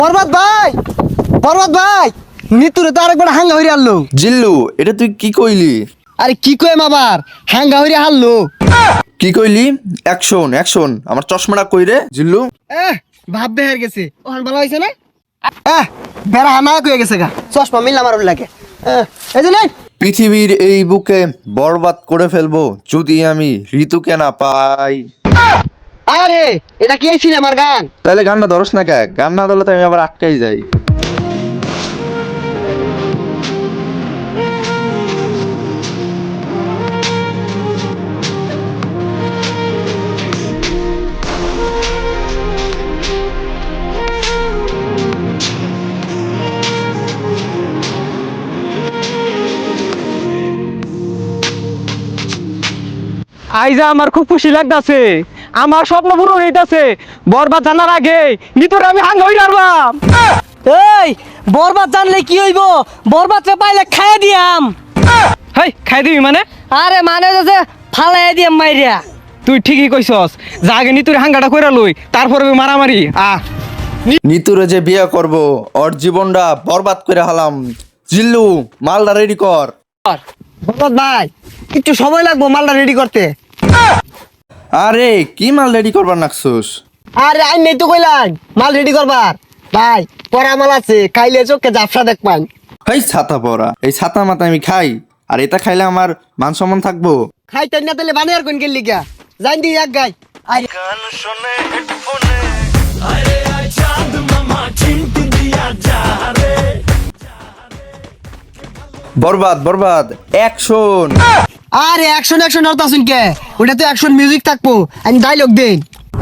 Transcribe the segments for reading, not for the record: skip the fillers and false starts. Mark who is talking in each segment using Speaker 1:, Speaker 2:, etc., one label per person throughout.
Speaker 1: বরবাদ ভাই, বরবাদ ভাই, নিতুরে তো আরেকবার হাঙ্গা হইরে আনলো।
Speaker 2: জিল্লু, এটা তুই কি কইলি?
Speaker 1: আরে কি কইম আবার, হাঙ্গা হইরে হারলো।
Speaker 2: কি কইলি? অ্যাকশন অ্যাকশন, আমার চশমাটা কই রে জিল্লু?
Speaker 1: ভাব বেহার গেছে, ওখান ভালো হয়েছে না? বেড়া হানা কয়ে গেছে গা, চশমা মিললাম আর লাগে। এই যে নেই,
Speaker 2: পৃথিবীর এই বুকে বরবাদ করে ফেলবো যদি আমি ঋতুকে না পাই।
Speaker 1: আরে এটা কি এই সিনেমার গান?
Speaker 2: তাহলে গানটা ধরস না কে? গান না ধরলে তো আমি আবার আটকাই যাই।
Speaker 3: আইজা আমার খুব খুশি লাগতাছে, আমার স্বপ্ন পূরণ হইতাছে। বরবাদ জানার আগে নিতরে আমি হাঙ্গা হই রারবাম।
Speaker 4: এই বরবাদ জানলে কি হইব? বরবাদরে পাইলে খাইয়ে দিয়াম।
Speaker 3: হেই, খাই দিবি মানে?
Speaker 4: আরে মানে যে ফালাই দিয়াম মাইরিয়া।
Speaker 3: তুই ঠিকই কইছস, যা আগে নিতুরে হাঙ্গাটা কইরা লই, তারপরে মারামারি।
Speaker 2: নিতুরে যে বিয়ে করব, ওর জীবনটা বরবাদ করে হালাম। জিল্লু, মালটা রেডি কর।
Speaker 1: বরবাদ ভাই, একটু সময় লাগবো মালটা রেডি করতে।
Speaker 2: আরে কি মাল রেডি করবার নাকছুস?
Speaker 1: আরে আই নেই তো কইলাম মাল রেডি করবার। ভাই পরা মাল আছে, খাইলে চোখে জাফসা দেখবান।
Speaker 2: এই ছাতা পরা, এই ছাতা মাথা আমি খাই, আর এটা খাইলে আমার মান সম্মান থাকবো?
Speaker 1: খাইতে না তাহলে বানিয়ে আর কোন গেলি গা, জান দি এক গাই। আরে
Speaker 2: বরবাদ বরবাদ, অ্যাকশন।
Speaker 1: আরে অ্যাকশন অ্যাকশন আর তাসুন কে, ওটা তো অ্যাকশন মিউজিক থাকবো, আমি ডায়লগ দেন।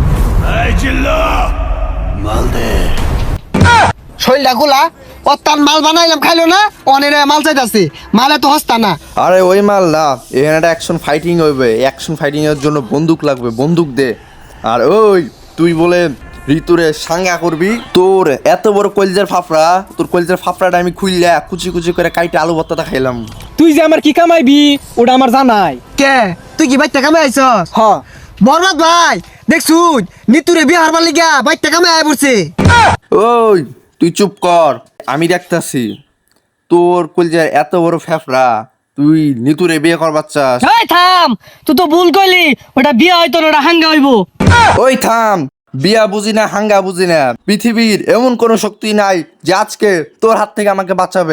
Speaker 1: শৈলটা খোলা, ও তার মাল বানাইলাম খাইলো না, অনেক মাল চাইতাছে, মালে তো হস্তা না।
Speaker 2: আরে ওই মাল না, এখানে একটা অ্যাকশন ফাইটিং হইবে। অ্যাকশন ফাইটিং এর জন্য বন্দুক লাগবে, বন্দুক দে। আর ওই তুই বলে ঋতুরে সাঙ্গা করবি, তোর এত বড় কলজের ফাফড়া, তোর কলজের ফাফড়াটা আমি খুইলা কুচি কুচি করে কাইটে আলু ভর্তাটা খাইলাম।
Speaker 3: তুই যে আমার কি কামাইবি ওটা আমার জানাই।
Speaker 1: কে তুই কি বাইতে কামে আইছস?
Speaker 3: হ,
Speaker 1: বরবাদ ভাই দেখছুন, নিতুরে বিয়ে হারবার লিগা বাইতে কামে আয় পড়ছে।
Speaker 2: ওই তুই চুপ কর, আমি দেখতাছি। তোর কলজের এত বড় ফেফড়া, তুই নিতুরে বিয়ে করবার চাস?
Speaker 4: এই থাম, তুই তো ভুল কইলি, ওটা বিয়া হয়তো না, ওটা হাঙ্গা হইব।
Speaker 2: ওই থাম, বিয়া বুঝি না হাঙ্গা বুঝি না, পৃথিবীর এমন কোনো শক্তি নাই যে আজকে তোর হাত থেকে আমাকে বাঁচাবে।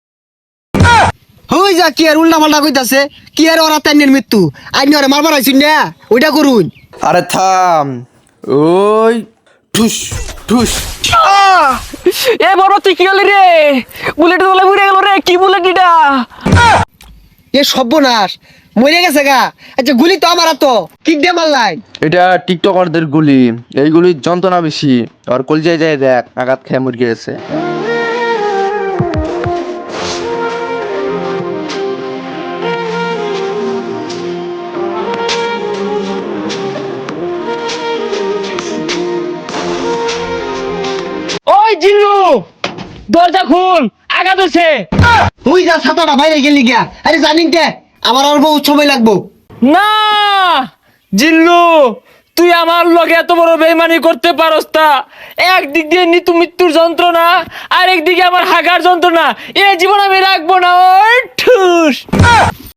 Speaker 1: হই যা কি আর উল্টা পাল্টা কইতাছে, কি আর ওরা তাইনের মৃত্যু, আইনি ওরে মারবার আইছুন না, ওইটা করুন।
Speaker 2: আরে থাম, ওই ঠুস ঠুস।
Speaker 3: এ বড় তুই কি হলি রে? বুলেট তোলা উড়ে গেল রে, কি বুলেট এটা?
Speaker 1: এ সর্বনাশ, মরে গেছে গা। আচ্ছা গুলি তো আমার তো কিক দিয়ে মারলাই।
Speaker 2: এটা টিকটকারদের গুলি, এইগুলির যন্ত্রণা বেশি। আর কলজায় যায় দেখ, আঘাত খেয়ে মুরগি গেছে।
Speaker 3: ওই জিল্লু, দরজা খুল, আঘাত হচ্ছে।
Speaker 1: হই যা ছাতাটা বাইরে গেলি গিয়া, আরে জানিন কে আমার আর বহুত সময় লাগবো।
Speaker 3: না জিল্লু, তুই আমার লগে এত বড় বেইমানি করতে পারস তা? একদিক দিয়ে নিতু মৃত্যুর যন্ত্রণা, আর একদিকে আমার হাগার যন্ত্রণা, এ জীবন আমি রাখবো না। ওই ঠুস।